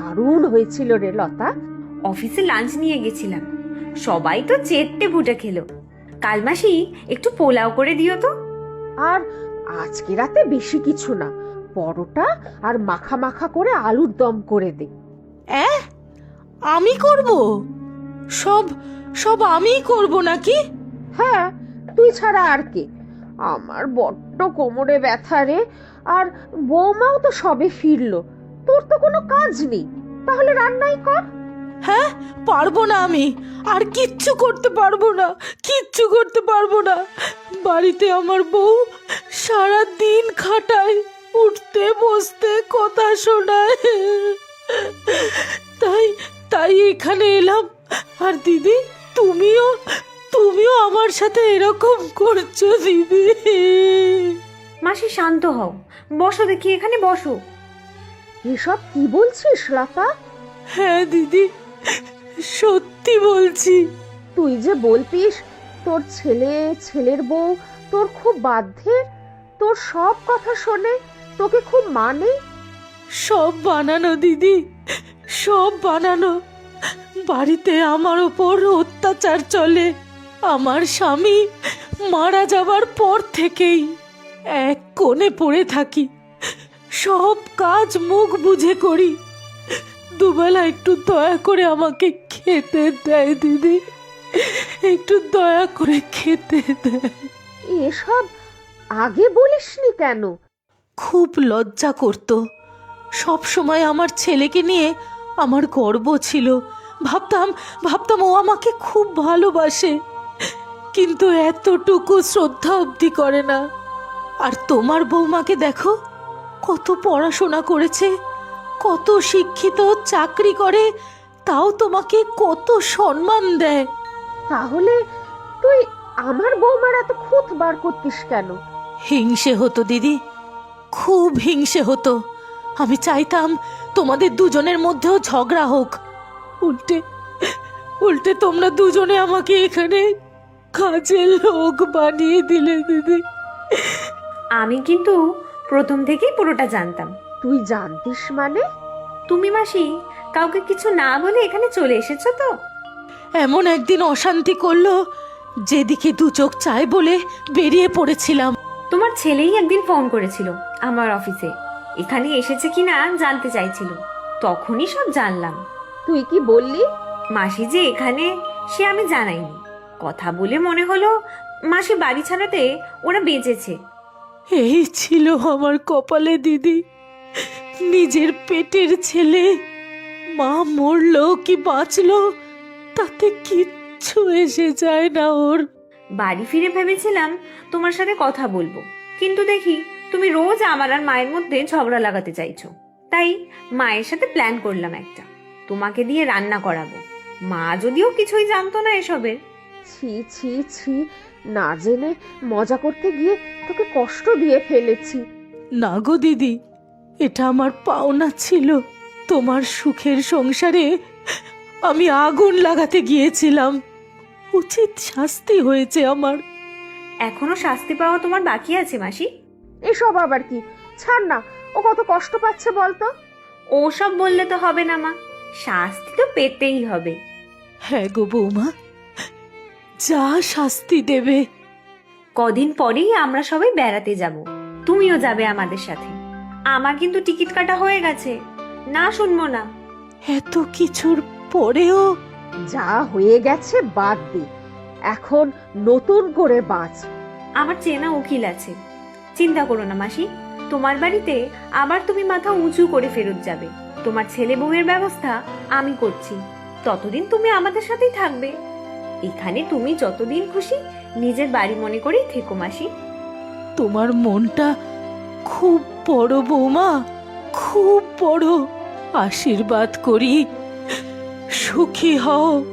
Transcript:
দারুণ হয়েছিল রে লতা। অফিসে লাঞ্চ নিয়ে গেছিলাম, সবাই তো চেটে পুটে খেলো। কাল মাসি একটু পোলাও করে দিও তো। আর আজকে রাতে বেশি কিছু না, পরোটা আর মাখা মাখা করে আলুর দম করে দে। আমি করব? সব সব আমিই করব নাকি? হ্যাঁ, তুই ছাড়া আর কে? আমার বড্ড কোমরে ব্যথা রে। আর বৌমাও তো সবে ফিরলো, তোর তো কোনো কাজ নেই, তাহলে রান্নাই কর। হ্যাঁ, পারবো না আমি, আর কিচ্ছু করতে পারবো না, কিচ্ছু করতে পারবো না। বাড়িতে আমার বউ সারা দিন খাটায়, উঠতে বসতে কথা শোনায়, তাই তাই এখানে এলাম। আর দিদি, তুমিও তুমিও আমার সাথে এরকম করছো দিদি। মাসি শান্ত হও, বসো দেখি, এখানে বসো। এসব কি বলছিস লতা? হ্যাঁ দিদি, সত্যি বলছি। তুই যে বলতিস তোর ছেলে, ছেলের বউ তোর খুব বাধ্যে, তোর সব কথা শোনে, তোকে খুব মানে। সব বানানো দিদি, সব বানানো। বাড়িতে আমার ওপর অত্যাচার চলে। আমার স্বামী মারা যাবার পর থেকেই এক কোণে পড়ে থাকি, সব কাজ মুখ বুঝে করি। দুবেলা একটু দয়া করে আমাকে খেতে দেয় দিদি, একটু দয়া করে খেতে দেয়। এসব আগে বলিসনি কেন? খুব লজ্জা করতো। সব সময় আমার ছেলেকে নিয়ে আমার গর্ব ছিল। ভাবতাম ভাবতাম ও আমাকে খুব ভালোবাসে, কিন্তু এতটুকু শ্রদ্ধা অবধি করে না। আর তোমার বৌমাকে দেখো, কত পড়াশোনা করেছে, কত শিক্ষিত, চাকরি করে, তাও তোমাকে কত সম্মান দেয়। তাহলে তুই আমার বৌমার এত খুঁত বার করতিস কেন? হিংসে হতো দিদি, খুব হিংসে হতো। আমি চাইতাম তোমাদের দুজনের মধ্যেও ঝগড়া হোক। উল্টে উল্টে তোমরা দুজনে আমাকে এখানে কাজের লোক বানিয়ে দিলে দিদি। আমি কিন্তু প্রথম থেকেই পুরোটা জানতাম। তুই জানতিস মানে? তুমি মাসি কাউকে কিছু না বলে এখানে চলে এসেছো তো? এমন একদিন অশান্তি করলো, যেদিকে দু চোখ চায় বলে বেরিয়ে পড়েছিলাম। তোমার ছেলেই একদিন ফোন করেছিল আমার অফিসে, এখানে এসেছে কিনা জানতে চাইছিল, তখনই সব জানলাম। তুই কি বললি? মাসি যে এখানে সে আমি জানাইনি, কথা বলে মনে হলো মাসি বাড়ি ছাড়াতে ওরা বেঁচেছে। এই ছিল আমার কপালে দিদি, নিজের পেটের ছেলে। মা মরলো কি বাঁচলো তাতে কিচ্ছু এসে যায় না ওর। বাড়ি ফিরে ভেবেছিলাম তোমার সাথে কথা বলবো, কিন্তু দেখি তুমি রোজ আমার আর মায়ের মধ্যে ঝগড়া লাগাতে চাইছো। তাই মায়ের সাথে প্ল্যান করলাম একটা, তোমাকে দিয়ে রান্না করাবো। মা যদিও কিছুই জানতো না এসবের। ছি ছি ছি, না জেনে মজা করতে গিয়ে তোকে কষ্ট দিয়ে ফেলেছি। না গো দিদি, এটা আমার পাওনা ছিল। তোমার সুখের সংসারে আমি আগুন লাগাতে গিয়েছিলাম, উচিত শাস্তি হয়েছে আমার। এখনো শাস্তি পাওয়া তোমার বাকি আছে মাসি। এসব আবার কি? ছাড় না, ও কত কষ্ট পাচ্ছে বলতো। ওসব বললে তো হবে না মা, শাস্তি তো পেতেই হবে। হ্যাঁ গো বৌমা, যা শাস্তি দেবে। কদিন পরেই আমরা সবাই বেড়াতে যাব, তুমিও যাবে আমাদের সাথে। আমার কিন্তু টিকিট কাটা হয়ে গেছে, না শুনবো না। এত কিছুর পরেও? যা হয়ে গেছে বাদ দে, এখন নতুন করে বাঁচ। আমার চেনা উকিল আছে, চিন্তা করো না মাসি। তোমার বাড়িতে আবার তুমি মাথা উঁচু করে ফেরত যাবে। তোমার ছেলে বউয়ের ব্যবস্থা আমি করছি, ততদিন তুমি আমাদের সাথেই থাকবে। এখানে তুমি যতদিন খুশি নিজের বাড়ি মনে করেই থেকো মাসি। তোমার মনটা খুব বড় বৌমা, খুব বড়। আশীর্বাদ করি, সুখী হও।